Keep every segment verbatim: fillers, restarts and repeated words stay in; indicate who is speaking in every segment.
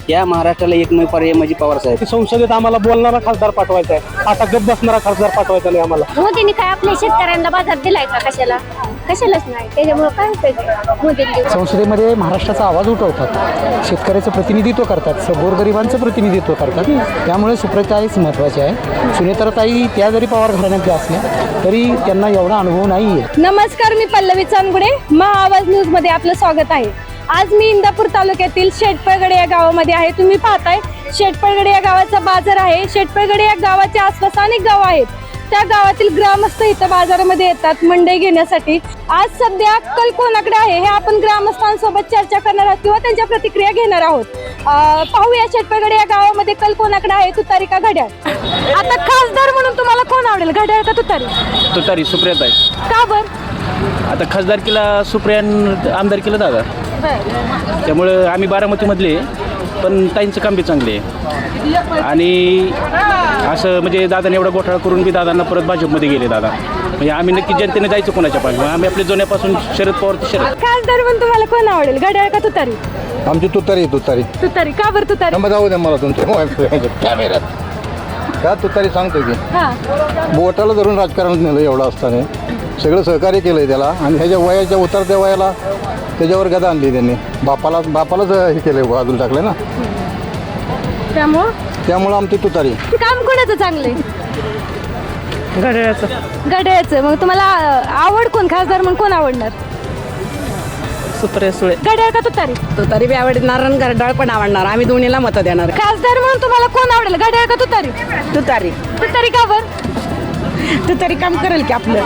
Speaker 1: या महाराष्ट्राला एकमेव पर्याय म्हणजे पवार साहेब.
Speaker 2: संसदेत आम्हाला बोलणारा खासदार पाठवायचा आहे, आता गप बसणारा खासदार पाठवायचा नाही आम्हाला.
Speaker 3: मोदींनी काय आपल्या शेतकऱ्यांना बाजार दिलाय का? कशाला कशालाच नाही. त्याच्यामुळे काय उपयोग मोदींनी.
Speaker 4: संसदेमध्ये महाराष्ट्राचा आवाज उठवतात, शेतकऱ्याचं प्रतिनिधित्व करतात, गोरगरिबांचं प्रतिनिधित्व करतात. त्यामुळे सुप्रियाताईच महत्त्वाचे आहे. सुनेत्राताई त्या जरी पवार घराण्यातल्या असल्या तरी त्यांना एवढा अनुभव नाही आहे.
Speaker 5: नमस्कार, मी पल्लवी चांदगुडे, महा आवाज न्यूज मध्ये आपलं स्वागत आहे. आज मी इंदापूर तालुक्यातील शेटपळगडे या गावामध्ये आहे. तुम्ही पाहताय शेटपळगडे या गावाचा बाजार आहे. शेटपळगडे या गावाच्या आसपास अनेक गाव आहेत. त्या गावातील ग्रामस्थ इथं बाजारामध्ये येतात मंडई घेण्यासाठी. आज सध्या कल कोणाकडे आहे हे आपण ग्रामस्थांसोबत चर्चा करणार आहोत किंवा त्यांच्या प्रतिक्रिया घेणार आहोत. पाहूया शेटपळगडे या गावामध्ये कल कोणाकडे आहे, तुतारी का घड्याळ. आता खासदार म्हणून तुम्हाला कोण आवडेल, घड्याळ का तुतारी?
Speaker 1: तुतारी सुप्रियाताई.
Speaker 5: का बर?
Speaker 1: आता खासदारकीला सुप्रिया, आमदारकीला दादा, त्यामुळं आम्ही बारामतीमधले, पण ताईंचं काम बी चांगले आहे. आणि असं म्हणजे दादाने एवढा घोटाळा करून बी दादांना परत भाजपमध्ये गेले दादा. म्हणजे आम्ही नक्की जनतेने जायचं कोणाच्या पाठी. आम्ही आपल्या जुन्यापासून शरद पवार ते शरद.
Speaker 5: खासदार म्हणून तुम्हाला कोण आवडेल, घड्याळ का तुतारी?
Speaker 6: आमची तुतारी तुतारी
Speaker 5: तुतारी. का बरं तुतारी?
Speaker 6: नंबर जाऊ द्या मला तुमच्या कॅमेऱ्यात. का तुतारी सांगतो की
Speaker 5: हा,
Speaker 6: बोटाला धरून राजकारणात नेलं एवढं असताना सगळं सहकार्य केलंय त्याला. आणि ह्याच्या वयाच्या उतरत्या वयाला त्याच्यावर गदा आणली त्यांनी. बापाला बापालाच हे केलंय, बाजूला टाकलंय ना.
Speaker 5: त्यामुळं
Speaker 6: त्यामुळं आमची तुतारी.
Speaker 5: काम कोणाचं चांगलंय?
Speaker 2: घड्याळाचं.
Speaker 5: घड्याळाचं. मग तुम्हाला आवड कोण, खासदार म्हणून कोण आवडणार?
Speaker 2: सुप्रिया सुळे.
Speaker 5: घड्याळ का तुतारी?
Speaker 7: तुतारी बी आवडणार आणि घड्याळ पण आवडणार. आम्ही दोन्हीला मतं देणार.
Speaker 5: खासदार म्हणून तुम्हाला कोण आवडेल, घड्याळ का तुतारी?
Speaker 7: तुतारी.
Speaker 5: तुतारी का बरं?
Speaker 7: तुतारी काम करेल की आपलं.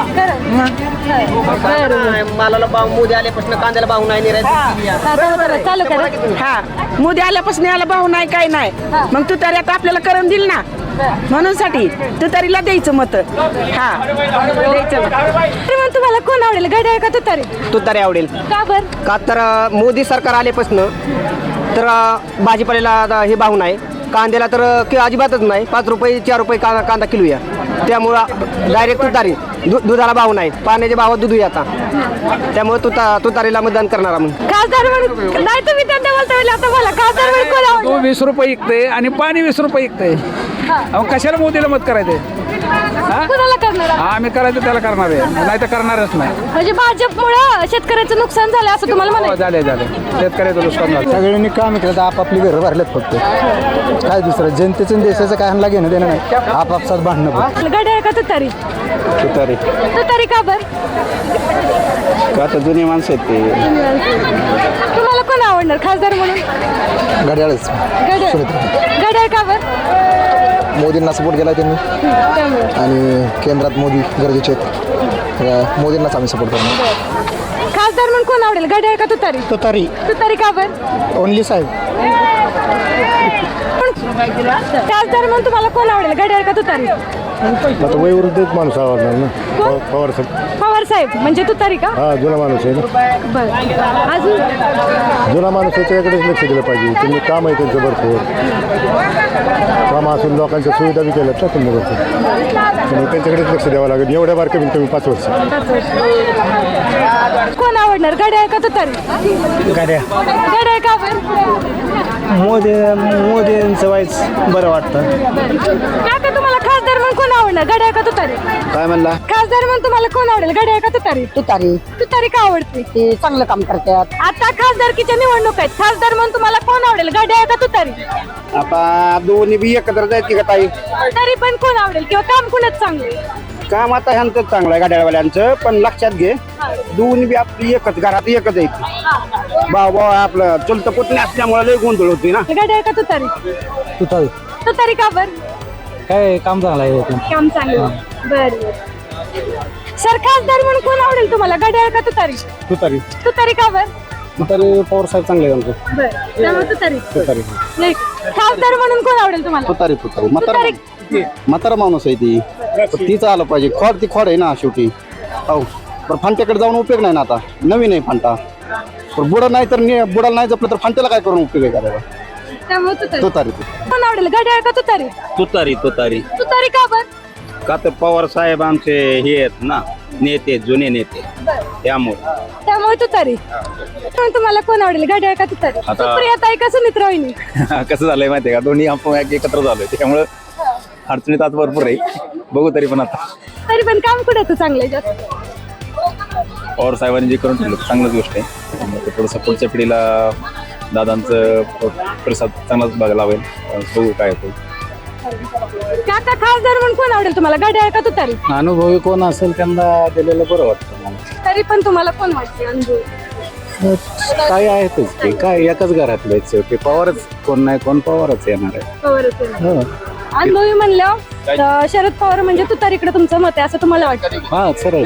Speaker 8: मालाला भाव मोदी आल्यापासून कांद्याला भाव नाही निरायचं.
Speaker 5: चालू करा.
Speaker 7: हा, मोदी आल्यापासून याला भाव नाही काय नाही. मग तुतारी आता आपल्याला करून दिल ना, म्हणून साठी तुतारीला द्यायचं मत. हा, द्यायचं.
Speaker 5: मग तुम्हाला कोण आवडेल, घड्याळ का तुतारी?
Speaker 8: तुतारी आवडेल.
Speaker 5: का बरं?
Speaker 8: का तर मोदी सरकार आल्यापासून तर भाजीपाल्याला हे भाव नाही, कांद्याला तर कि अजिबातच नाही. पाच रुपये चार रुपये का कांदा किलो या. त्यामुळं डायरेक्ट तुतारी. दु दुधाला भाव नाही, पाण्याच्या भावात दूध आता. त्यामुळे तुता तुतारीला मतदान करणार आम्ही.
Speaker 5: खासदार म्हणून नाही, तुम्ही त्यांना बोलता वेळी आता मला खासदार म्हणून कोण आवडेल?
Speaker 2: तो वीस रुपये विकते आणि पाणी वीस रुपये विकते. अहो कशाला मोदीला मत करायचंय?
Speaker 5: कोणाला करणार?
Speaker 2: आम्ही करायचं त्याला करणार आहे, नाही तर करणारच नाही.
Speaker 5: म्हणजे भाजपमुळे शेतकऱ्याचं नुकसान झालं असं तुम्हाला
Speaker 2: हो,
Speaker 5: म्हणायचं?
Speaker 2: झाले झाले शेतकऱ्याचं नुकसान झालं.
Speaker 6: सगळ्यांनी काम केलं तर आपापली घरं भरलेत फक्त. काय दुसरं जनतेचं आणि देशाचं काय आणला घेणं देणं नाही, आपापसात भांडणं.
Speaker 5: घड्याळ का तुतारी?
Speaker 1: तुतारी.
Speaker 5: तुतारी का बरं?
Speaker 1: का तर जुने माणसं आहेत ते.
Speaker 5: तुम्हाला कोण आवडणार खासदार म्हणून?
Speaker 6: घड्याळच.
Speaker 5: घड्याळ. घड्याळ का बरं?
Speaker 6: मोदींना सपोर्ट केला त्यांनी
Speaker 5: त्यामुळे.
Speaker 6: आणि केंद्रात मोदी गरजेचे आहेत. मोदींनाच आम्ही सपोर्ट करणार.
Speaker 5: खासदार म्हणून कोण आवडेल, घड्याळ का तुतारी?
Speaker 6: तुतारी.
Speaker 5: तुतारी का बरं?
Speaker 6: ओनली साहेब.
Speaker 5: खासदार म्हणून तुम्हाला कोण आवडेल, घड्याळ का तुतारी?
Speaker 6: आता वयोवृद्धच माणूस आवडणार ना.
Speaker 5: कोण?
Speaker 6: पवार साहेब.
Speaker 5: पवार साहेब म्हणजे तुतारी का?
Speaker 6: हा, जुना माणूस आहे ना.
Speaker 5: बरं. अजून
Speaker 6: जुना माणूस आहे त्याच्याकडेच लक्ष दिलं पाहिजे. त्यांनी काम आहे त्यांचं भरपूर. काम असून लोकांच्या सुविधा बी केल्यात ना त्यांनी भरपूर. त्यामुळे त्यांच्याकडेच लक्ष द्यावं लागेल. एवढ्या बार कमीत कमी पाच वर्ष.
Speaker 5: कोण आवडणार, घड्याळ का तुतारी?
Speaker 4: गाड्या
Speaker 5: घड्याळ का बरं?
Speaker 4: मोदी मोदींचं वाईच बरं वाटतं.
Speaker 5: काका तुम्हाला खासदार म्हणून कोण आवडणार, घड्याळ का तुतारी?
Speaker 6: काय म्हणला?
Speaker 5: खासदार म्हणून तुम्हाला कोण आवडेल, घड्याळ का तुतारी?
Speaker 7: तुतारी.
Speaker 5: तुतारी का आवडते?
Speaker 7: ते चांगलं काम करतात.
Speaker 5: आता खासदारकीच्या निवडणूक आहेत, खासदार म्हणून तुम्हाला कोण आवडेल, घड्याळ का तुतारी?
Speaker 8: आता दोन्ही बी एकत्र जायची का ताई?
Speaker 5: तरी पण कोण आवडेल किंवा काम कुणाच चांगले?
Speaker 8: काम आता ह्यांचं चांगलं आहे गाड्यावाल्यांचं, पण लक्षात घे दोन्ही बी आपली एकच घरात एकच आहे. भाऊ भाऊ आपलं चुलतं पुतणी असल्यामुळे लय गोंधळ होती ना.
Speaker 5: घड्याळ का तुतारी?
Speaker 4: तुतारी.
Speaker 5: तुतारी का बरं?
Speaker 4: काय काम चांगलं आहे.
Speaker 5: काम चांगलं. बर बर. सर खासदार म्हणून कोण आवडेल तुम्हाला, घड्याळ का तुतारी?
Speaker 6: तुतारी.
Speaker 5: तुतारी का बरं?
Speaker 6: तुतारी पवार साहेब चांगले आहे आमचं.
Speaker 5: बरं. त्यामुळे तुतारी.
Speaker 6: तुतारी.
Speaker 5: नाही, खासदार म्हणून कोण आवडेल तुम्हाला?
Speaker 6: तुतारी. तुतारी.
Speaker 5: तुतारी.
Speaker 6: म्हातारा माणूस आहे ती. तीच आलं पाहिजे. खोड ती खोड आहे ना शेवटी. हो, पण फांट्याकडे जाऊन उपयोग नाही ना. आता नवीन आहे फांटा. पण बुडा नाही तर बुडाला नाही जपलं तर फांट्याला काय करून उपयोग आहे करायला.
Speaker 5: त्यामुळे तुतारी.
Speaker 6: तुतारी.
Speaker 5: कोण आवडेल, घड्याळ का तुतारी?
Speaker 1: तुतारी. तुतारी.
Speaker 5: तुतारी का बरं?
Speaker 1: का तर पवार साहेब आमचे हे आहेत ना, नेते जुने नेते त्यामुळे
Speaker 5: त्यामुळे तुतारी पण तुम्हाला कोण आवडेल घड्याळ का तुतारी सुप्रियाताई का सुमित्रा वहिनी
Speaker 9: कसं झालंय माहितीये का दोन्ही आपण एकत्र झालोय त्यामुळं अडचणीत आज भरपूर आहे बघू तरी पण आता
Speaker 5: तरी पण काम कुठं चांगलं जास्त
Speaker 9: पवार साहेबांनी जे करून ठेवलं चांगलंच गोष्ट आहे त्यामुळे थोडंसं पुढच्या पिढीला दादांचं प्रसाद चांगलाच बघायला हवेल बघू काय होतं
Speaker 5: काका खासदार म्हणून कोण आवडेल तुम्हाला घड्याळ का तुतारी
Speaker 4: अनुभवी कोण असेल त्यांना दिलेलं बरं वाटतं मला.
Speaker 5: तरी पण तुम्हाला कोण वाटते अनुभव
Speaker 4: काय आहेतच ते काय एकाच घरातले शेवटी पवारच कोण नाही कोण पवारच येणार आहे
Speaker 5: पवारच आहे. अनुभवी म्हणलं तर शरद पवार म्हणजे तुतारीकडे तुमचं मत आहे असं तुम्हाला वाटतं
Speaker 4: हा सरळ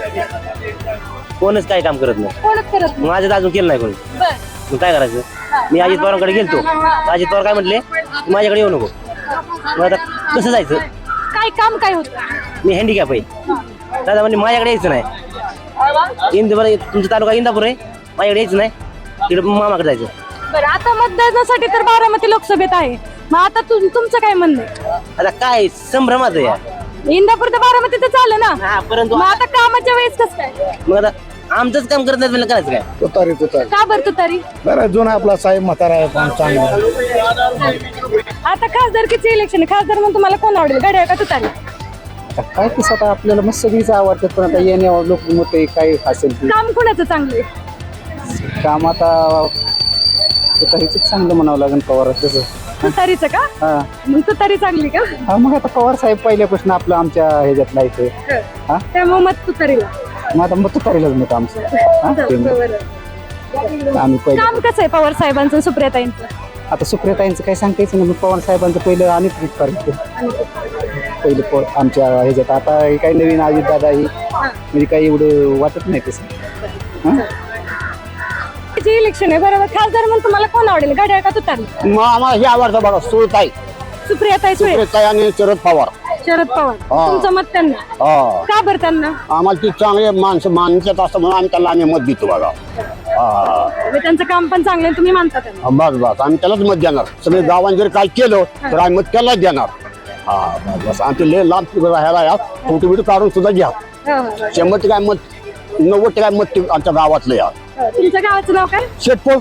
Speaker 8: कोणच काही काम करत नाही
Speaker 5: कोणच करत नाही.
Speaker 8: माझं तर अजून केलं नाही कोणी
Speaker 5: बरं.
Speaker 8: मग काय करायचं मी अजित पवारांकडे गेलतो अजित पवार काय म्हटले तू माझ्याकडे येऊ नको मग आता कसं जायचं
Speaker 5: काय काम काय होतं
Speaker 8: मी हँडिकॅप आहे दादा म्हणजे माझ्याकडे यायचं नाही इंदूर तुमचा तालुका इंदापूर आहे माझ्याकडे यायचं नाही तिकडे मामाकडे जायचं
Speaker 5: बरं आता मतदानासाठी तर बारामती लोकसभेत आहे मग आता तुम- तुमचं काय म्हणणं आहे?
Speaker 8: आता काय संभ्रमात आहे या.
Speaker 5: इंदापूर तर बारामती तर चाललं ना
Speaker 8: हा परंतु
Speaker 5: मग आता कामाच्या वेळेस कसं काय
Speaker 8: मग आता आमचंच काम करत नाही करायचं काय
Speaker 6: तुतारी तुतारी
Speaker 5: का बरं तुतारी
Speaker 6: बरं जुना आपला साहेब म्हातारा आहे पण चांगला
Speaker 5: आता खासदारकीचे इलेक्शन आहे खासदार म्हणून तुम्हाला कोण आवडेल घड्याळ का तुतारी
Speaker 4: आता काय कसं आता आपल्याला मग सगळीच आवडतात पण आता येण्यावर लोक मत काय असेल ते
Speaker 5: काम कोणाचं चांगलं आहे
Speaker 4: काम आता तुतारीच चांगलं म्हणावं लागेल पवार तसं
Speaker 5: तुतारीचं का
Speaker 4: हा
Speaker 5: मग तुतारी चांगली का
Speaker 4: हा मग आता पवार साहेब पहिल्यापासून आपलं आमच्या ह्याच्यातला इथे हा
Speaker 5: त्यामुळे मत तुतारीला
Speaker 4: मग आता मग तुतारीलाच मत आमचं हा, ते मत. आम्ही पहिले
Speaker 5: काम कसं आहे पवार साहेबांचं सुप्रियाताईंचं
Speaker 4: आता सुप्रियाताईंचं काय सांगतायचं ना मग पवार साहेबांचं पहिलं आणि ट्रीट करायचं पहिलं प आमच्या ह्याच्यात आता हे काही नवीन अजित दादा ही म्हणजे काही एवढं वाटत नाही तसं हां
Speaker 5: जे इलेक्शन आहे बरोबर खासदार म्हणून तुम्हाला कोण आवडेल घड्याळ का तुतारी
Speaker 6: मग आम्हाला हे आवडतं बघा सुळताई
Speaker 5: सुप्रियाताई सुळे
Speaker 6: सुप्रियाताई आणि शरद पवार
Speaker 5: शरद पवार तुमचं मत त्यांना
Speaker 6: हा
Speaker 5: का बरं त्यांना
Speaker 6: आम्हाला ती चांगले माणसं मानतात असं म्हणून आम्ही त्याला आम्ही मत देतो बघा हा
Speaker 5: म्हणजे त्यांचं काम पण चांगलं आहे, तुम्ही मानता त्यांना
Speaker 6: बस बस आम्ही त्यालाच मत देणार सगळे गावांनी जर काय केलं तर आम्ही मत त्यालाच देणार हा बस बस आमचे लय लांब राहायला या फोटो बिटो काढून सुद्धा घ्या
Speaker 5: हो, हो.
Speaker 6: शंभर टक्के मत नव्वद टक्के मत ते आमच्या गावातलं या
Speaker 5: हो, तुमच्या गावाचं नाव काय
Speaker 6: शेटपोळ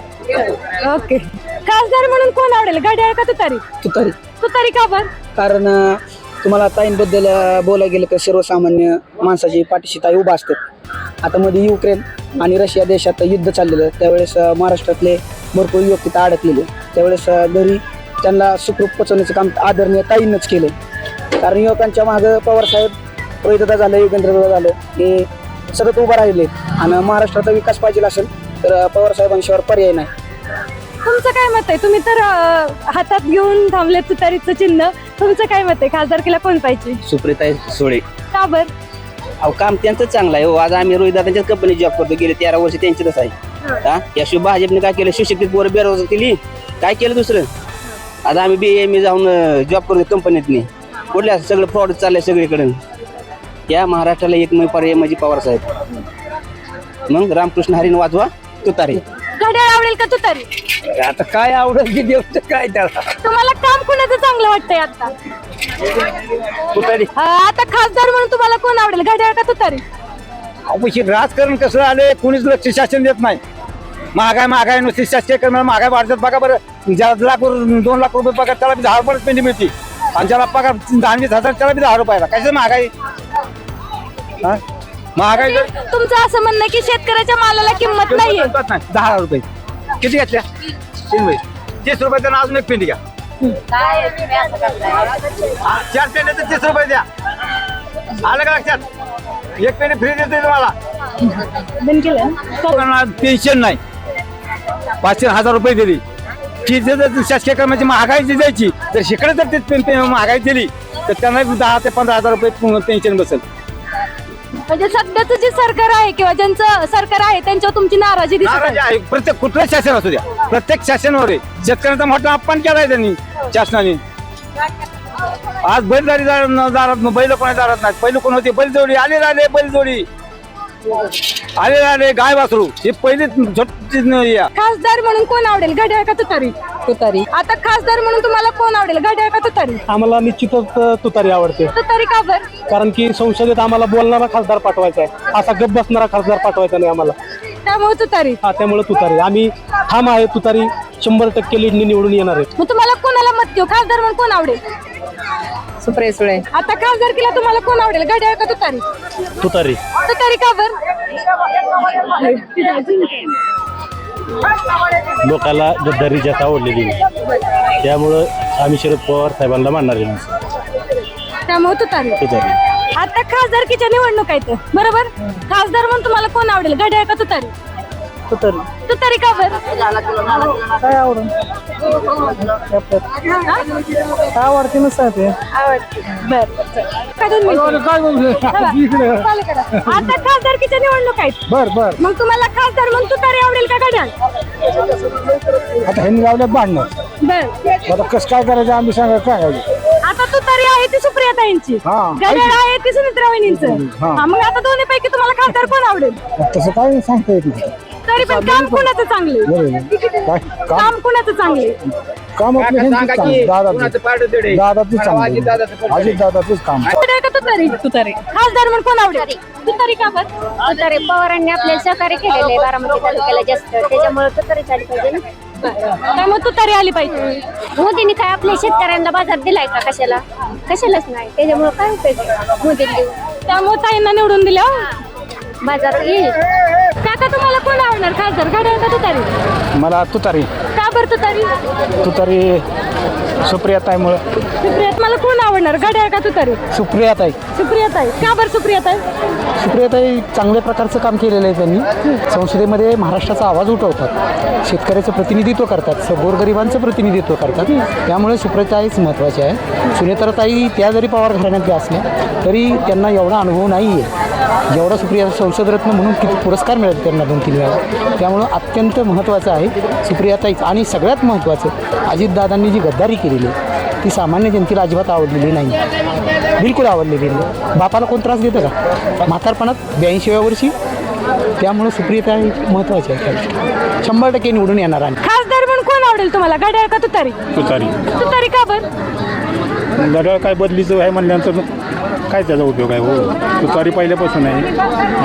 Speaker 5: ओके खासदार म्हणून कोण आवडेल घड्याळ का तुतारी
Speaker 2: तुतारी
Speaker 5: तुतारी का बरं
Speaker 2: कारण अं, तुम्हाला ताईंबद्दल अं, बोलायला गेलं तर सर्वसामान्य माणसाची पाठीशी ताई उभा असतात आता मध्ये युक्रेन आणि रशिया देशात युद्ध चाललेलं त्यावेळेस अं, महाराष्ट्रातले भरपूर युवक तिथं अडकलेले त्यावेळेस अं, घरी त्यांना सुखरूप पोचवण्याचं काम आदरणीय ताईंनंच केलं कारण युवकांच्या मागं पवारसाहेब रोहितदा झालं युगेंद्रदा झालं हे सतत उभं राहिले आणि महाराष्ट्राचा विकास पाहिजे असेल तर अं, पवारसाहेबांशिवाय पर्याय नाही
Speaker 5: तुमचं काय मत आहे तुम्ही तर अं, हातात घेऊन थांबले तुतारीचं चिन्ह तुमचं काय मत आहे खासदारकीला कोण पाहिजे
Speaker 8: सुप्रियाताई सुळे
Speaker 5: का बर
Speaker 8: अहो काम त्यांचं चांगलं आहे हो आज आम्ही रोहित दादांच्याच कंपनी जॉब करतो गेले तेरा वर्ष त्यांच्यातच आहे हा याशिवाय भाजपने काय केलं सुशिक्षित पोरं बेरोजगार केली काय केलं दुसरं आता आम्ही बी एम ए जाऊन जॉब करतो कंपनीतनी कुठल्या सगळं फ्रॉड चाललंय सगळीकडे या महाराष्ट्राला एकमेव पर्याय म्हणजे पवार साहेब मग रामकृष्ण हरीन वाजवा तुतारी
Speaker 5: घड्याळ आवडेल का तुतारी
Speaker 2: आता काय आवडेल की देव काय त्याला
Speaker 5: तुम्हाला काम कोणाचं चांगलं वाटतंय आता
Speaker 2: तुतारी
Speaker 5: अं, आता खासदार म्हणून तुम्हाला कोण आवडेल घड्याळ का तुतारी
Speaker 2: अवश्य राजकारण कसं आले कोणीच लक्ष शासन देत नाही महागाई महागाई नुसती शासकीय करणं महागाई वाढतात बघा बरं ज्याला लाख वर- दोन लाख रुपये पगार त्याला बी दहा रुपये पेंडी मिळते आणि ज्याला पगार दहा वीस हजार त्याला बी दहा रुपयाला कशाचं महागाई हा? महागाई जर
Speaker 5: तुमचं असं म्हणणं आहे की शेतकऱ्याच्या मालाला किंमत नाहीये
Speaker 2: नाही दहा रुपये किती घेतल्या तीन बाई तीस रुपये त्यांना अजून एक पेंडी घ्या चार पेंड्या तर तीस रुपये द्या आलं का लक्षात एक पेंडी फ्री देते तुम्हाला
Speaker 5: बंद केलं ना?
Speaker 2: लोकांना पेन्शन नाही पाचशे हजार रुपये दिली ती जर शासकीय कर्मचारी महागाई जी द्यायची तर शिकडे जर ते पे- पे- महागाई दिली तर त्यांना दहा ते पंधरा हजार रुपये पेन्शन बसेल
Speaker 5: म्हणजे सध्याचं जे सरकार आहे किंवा ज्यांचं सरकार आहे त्यांच्यावर तुमची नाराजी दिसत आहे.
Speaker 2: नाराजी आहे प्रत्येक कुठलं शासन असू द्या प्रत्येक शासनावर आहे शेतकऱ्यांचा मोठा अपमान केलाय त्यांनी शासनाने आज बैलगाडी दारात बैल कोणा दारात नाही पहिले कोण होते बैलजोडी आले राहिले बैलजोडी
Speaker 6: अरे अरे गाय वासरू हे पहिले या
Speaker 5: खासदार म्हणून कोण आवडेल, घड्याळ का तुतारी? तुतारी. आता खासदार म्हणून तुम्हाला कोण आवडेल, घड्याळ का तुतारी?
Speaker 4: आम्हाला निश्चितच तुतारी आवडते,
Speaker 5: तुतारी का बर?
Speaker 4: कारण की संसदेत आम्हाला बोलणारा खासदार पाठवायचा आहे, असा गप बसणारा खासदार पाठवायचा नाही आम्हाला.
Speaker 5: त्यामुळे तुतारी.
Speaker 4: हा त्यामुळे तुतारी आम्ही ठाम आहे, तुतारी शंभर टक्के लीडनी निवडून येणार आहे.
Speaker 5: मग तुम्हाला कोणाला मत देऊ, खासदार म्हणून कोण आवडेल?
Speaker 7: सुप्रिया सुळे.
Speaker 5: आता खासदार केला तुम्हाला कोण आवडेल, घड्याळ का तुतारी?
Speaker 4: तुतारी.
Speaker 5: तुतारी का बर?
Speaker 4: लोकाला गद्दारी जास्त आवडलेली, त्यामुळं आम्ही शरद पवार साहेबांना मानणार आहे.
Speaker 5: त्यामुळे तुतारी.
Speaker 4: तुतारी.
Speaker 5: आता खासदारकीच्या निवडणूक आहेत बरोबर, खासदार म्हणून तुम्हाला कोण आवडेल, घड्याळ का तुतारी?
Speaker 2: तुतारी.
Speaker 5: तुतारी का बर?
Speaker 2: काय आवडून काय आवडते नसतं ते.
Speaker 5: आवडते. बर आता खासदारकीच्या निवडणूक आहेत
Speaker 2: बर बर
Speaker 5: मग तुम्हाला खासदार म्हणून तुतारी आवडेल का घड्याळ?
Speaker 2: आता ह्यांनी लावल्यात भांडणं,
Speaker 5: बर.
Speaker 2: आता कसं काय करायचं आम्ही सांगा काय
Speaker 5: आता तुतारी आहे ती सुप्रियाताईंची,
Speaker 2: हा.
Speaker 5: घड्याळ आहे ती सुमित्रा वहिनींचं.
Speaker 2: हा.
Speaker 5: हा, मग आता दोन्ही पैकी तुम्हाला खासदार कोण आवडेल?
Speaker 2: तसं काय सांगता येत नाही.
Speaker 5: तरी पण काम कुणाचं चांगले,
Speaker 2: काय काम
Speaker 5: काम कुणाचं चांगले?
Speaker 2: काम आपलं ह्यांचंच चांगलं, दादाचं दादाचंच चांगलं, अजित दादाचंच काम.
Speaker 5: घड्याळ का तुतारी? तुतारी. खासदार म्हणून कोण आवडेल? तुतारी का बर?
Speaker 3: तुतारी पवारांनी आपल्याला सहकार्य केलेलं आहे बारामती तालुक्याला जास्त, त्याच्यामुळे तुतारी झाली पाहिजे ना.
Speaker 5: त्यामुळे तुतारी आली पाहिजे.
Speaker 3: मोदींनी काय आपल्या शेतकऱ्यांना बाजार दिलाय का? कशाला कशालाच नाही, त्याच्यामुळे काय उपयोग आहे मोदींनी देऊन.
Speaker 5: त्यामुळे ताईंना निवडून दिल्या
Speaker 3: बाजार येईल.
Speaker 5: काका तुम्हाला कोण आवडणार, खासदार घड्याळ का तुतारी?
Speaker 2: मला तुतारी.
Speaker 5: का बर तुतारी?
Speaker 2: तुतारी सुप्रियाताईमुळे.
Speaker 5: सुप्रियात मला कोण आवडणार, घड्याळ का तुतारी?
Speaker 2: सुप्रियाताई.
Speaker 5: सुप्रियाताई. का बर सुप्रियाताई?
Speaker 4: सुप्रियाताई चांगल्या प्रकारचं काम केलेलं आहे त्यांनी. संसदेमध्ये महाराष्ट्राचा आवाज उठवतात, शेतकऱ्याचं प्रतिनिधित्व करतात, स- गोरगरिबांचं प्रतिनिधित्व करतात. त्यामुळे सुप्रियाताईच महत्त्वाचे आहे. सुनेत्राताई त्या जरी पवार घराण्यातल्या असल्या तरी त्यांना एवढा अनुभव नाही आहे जेवढा सुप्रिया संसदरत्न म्हणून किती पुरस्कार मिळाले त्यांना दोन तीन वेळा. त्यामुळं अत्यंत महत्त्वाचं आहे सुप्रियाताईच. आणि सगळ्यात महत्त्वाचं अजितदादांनी जी गद्दारी केलेली आहे ती सामान्य जनतेला अजिबात आवडलेली नाही, बिलकुल आवडलेली नाही. बापाला कोण त्रास देतं का म्हातारपणात ब्याऐंशीव्या वर्षी? त्यामुळे सुप्रियाताई महत्त्वाची आहे, शंभर टक्के निवडून येणार. आणि
Speaker 5: खासदार म्हणून कोण आवडेल तुम्हाला, घड्याळ का तुतारी?
Speaker 4: तुतारी.
Speaker 5: तुतारी का बर?
Speaker 4: घड्याळ काय बदलीचं आहे म्हणल्यानंतर काय त्याचा उपयोग आहे? हो तुतारी पहिल्यापासून आहे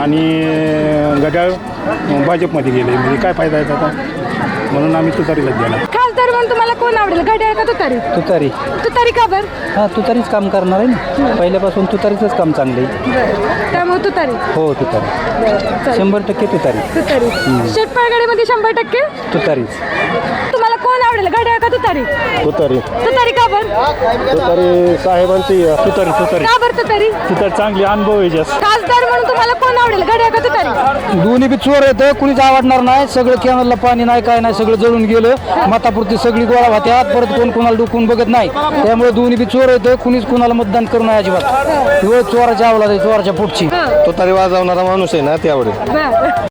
Speaker 4: आणि घड्याळ भाजपमध्ये गेले, म्हणजे काय फायदा आहे त्याचा? म्हणून आम्ही तुतारीलाच देणार.
Speaker 5: खासदार म्हणून तुम्हाला कोण आवडेल, घड्याळ का तुतारी?
Speaker 2: तुतारी.
Speaker 5: तुतारी का बर?
Speaker 2: हा तुतारीच काम करणार आहे ना, पहिल्यापासून तुतारीचंच काम चांगलं आहे.
Speaker 5: त्यामुळे तुतारी.
Speaker 2: हो तुतारी, शंभर टक्के तुतारी.
Speaker 5: तुतारी. शेटपाळगडीमध्ये शंभर टक्के
Speaker 2: तुतारीच.
Speaker 5: तुम्हाला कोण आवडेल, घड्याळ का तुतारी?
Speaker 4: तुतारी.
Speaker 5: तुतारी का बर?
Speaker 4: तुतारी साहेबांची तुतारी. तुतारी.
Speaker 5: का बर तुतारी?
Speaker 4: तुतारी चांगली अनुभव आहे जास्त.
Speaker 5: खासदार म्हणून तुम्हाला कोण आवडेल, घड्याळ का तुतारी?
Speaker 2: दोन्ही बी चोर येतं, कुणीच आवडणार नाही. सगळं कॅनलला पाणी नाही, काय नाही, सगळं जळून गेलं. मतापुरती सगळी गोळा होत्यात, परत कोण कोणाला डुकून बघत नाही. त्यामुळे दोन्ही बी चोर येतं, कुणीच कुणाला मतदान करू नये अजिबात. चोराच्या आवला चोराच्या पोटची.
Speaker 6: तुतारी वाजवणारा माणूस आहे ना, ते आवडेल.
Speaker 5: बर.